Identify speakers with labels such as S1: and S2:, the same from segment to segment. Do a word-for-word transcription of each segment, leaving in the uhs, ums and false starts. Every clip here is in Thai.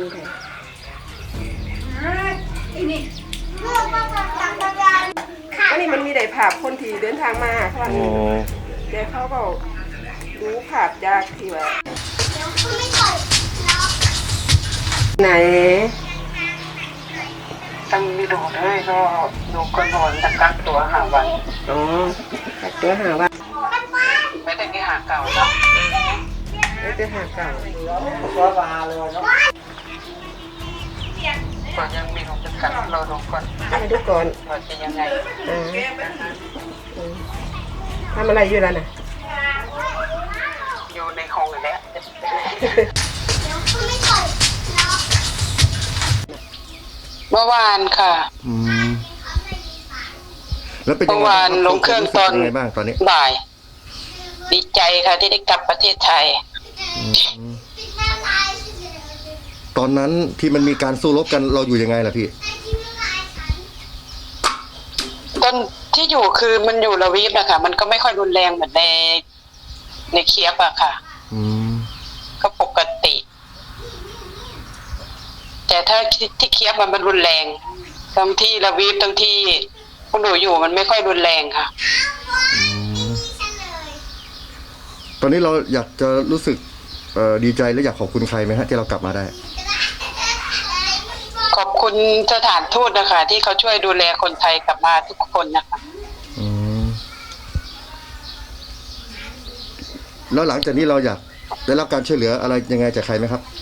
S1: อันนี้มันมีได้ภาพคนที่เดินทางมาค่ะเดี๋ยวเขาก็ดูภาพจากที่ว่าไหน
S2: ตั้งมีดูด้วยก็ดูก็นอนกักตัวหาวัน
S1: อ๋อกักตัวหาวัน
S2: ไม่ได้แค่หาเก่าเนาะ
S1: ไม่ได้หาเก่า
S2: ก็มาเลยเนาะก่อนยังมีของจำกัดเราดูก่อน
S1: ให้ดูก่อน
S2: ว่าจะยังไง
S1: อ่าทำอะไรอยู่ล่ะน่ะ
S2: อยู่ในห้องแล้วเมื่อวานค่ะ
S3: อืมแล้วเป็นยังไง
S2: เมื่อวานลงเครื่องตอน
S3: บ้างตอนนี้
S2: บ่ายดีใจค่ะที่ได้กลับประเทศไทย
S3: ตอนนั้นที่มันมีการสู้รบกันเราอยู่ยังไงล่ะพี่
S2: ตอนที่อยู่คือมันอยู่ละวีฟนะคะมันก็ไม่ค่อยรุนแรงเหมือนในในเคียบอะค่ะก็ปกติแต่ถ้าที่เคียบมันมันรุนแรงทั้งที่ละวีฟทั้งที่คุณหนูอยู่มันไม่ค่อยรุนแรงค่ะ
S3: ตอนนี้เราอยากจะรู้สึกดีใจและอยากขอบคุณใครไหมฮะที่เรากลับมาได้
S2: ขอบคุณสถานทูตนะคะที่เขาช่วยดูแลคนไทยกลับมาทุกคนนะคะ
S3: แล้วหลังจากนี้เราอยากได้รับการช่วยเหลืออะไรยังไงจากใครไหมครับ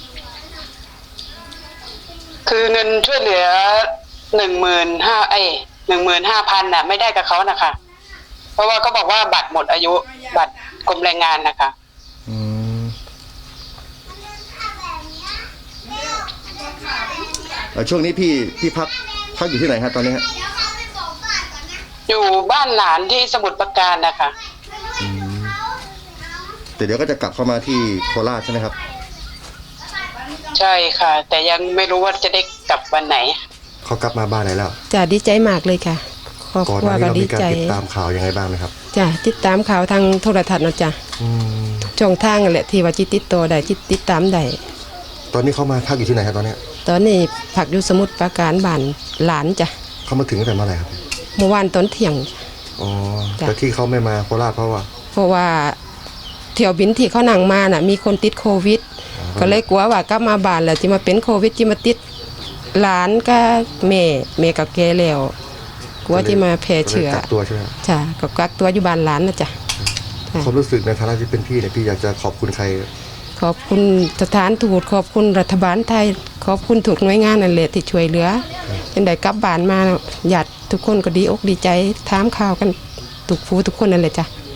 S2: คือเงินช่วยเหลือหนึ่งหมื่นห้าไอ้หนึ่งหมื่นห้าพันน่ะไม่ได้กับเขานะคะเพราะว่าเขาบอกว่าบัตรหมดอายุบัตรกรมแรงงานนะคะ
S3: ช่วงนี้พี่พี่พักพักอยู่ที่ไหนฮะตอนนี้ฮะ
S2: อยู่บ้านหลานที่สมุทรปราการนะคะ
S3: แต่เดี๋ยวก็จะกลับเข้ามาที่โคราชใช่ไหมครับ
S2: ใช่ค่ะแต่ยังไม่รู้ว่าจะได้กลับวันไหน
S3: เขากลับมาบ้านไหนแล้ว
S1: จ้ะดีใจมากเลยค่ะครอบครัวก็ดีใจ
S3: ติดตามข่าวยังไงบ้างไหมครับ
S1: จ้ะติดตามข่าวทางโทรทัศน์นะจ้ะช่องทางแหละที่ว่าจิตติดต่อได้จิตติดตามได้
S3: ตอนนี้เขามาพักอยู่ที่ไหนครับตอนนี้
S1: ตอนนี้พักอยู่สมุทรปราการบ้านหลานจ้ะ
S3: เขามาถึงตั้งแต่เมื่อไหร่ครับ
S1: เมื่อวานตอนเที่ยง
S3: อ๋อแต่ที่เขาไม่มาโคราชเพราะว่า
S1: เพราะว่าเที่ยวบินที่เขานั่งมาน่ะมีคนติดโควิดก็เลยกลัวว่ากลับมาบ้านแล้วจะมาเป็นโควิดจะมาติดหลานก็แม่แม่กับแกแล้วกลัวที่มาแพร่เชื้อ
S3: กักตัวใช่ไหม
S1: จ้ะก็กักตัวอยู่บ้านหลานนะจ้ะ
S3: ความรู้สึกในฐานะที่เป็นพี่เนี่ยพี่อยากจะขอบคุณใคร
S1: ขอบคุณสถานทูตขอบคุณรัฐบาลไทยขอบคุณทุกหน่วยงานนั่นแหละที่ช่วยเหลือเป็นได้กลับบ้านมาญาติทุกคนก็ดีอกดีใจถามข่าวกันทุกผู้ทุกคนนั่นแหละจ้ะ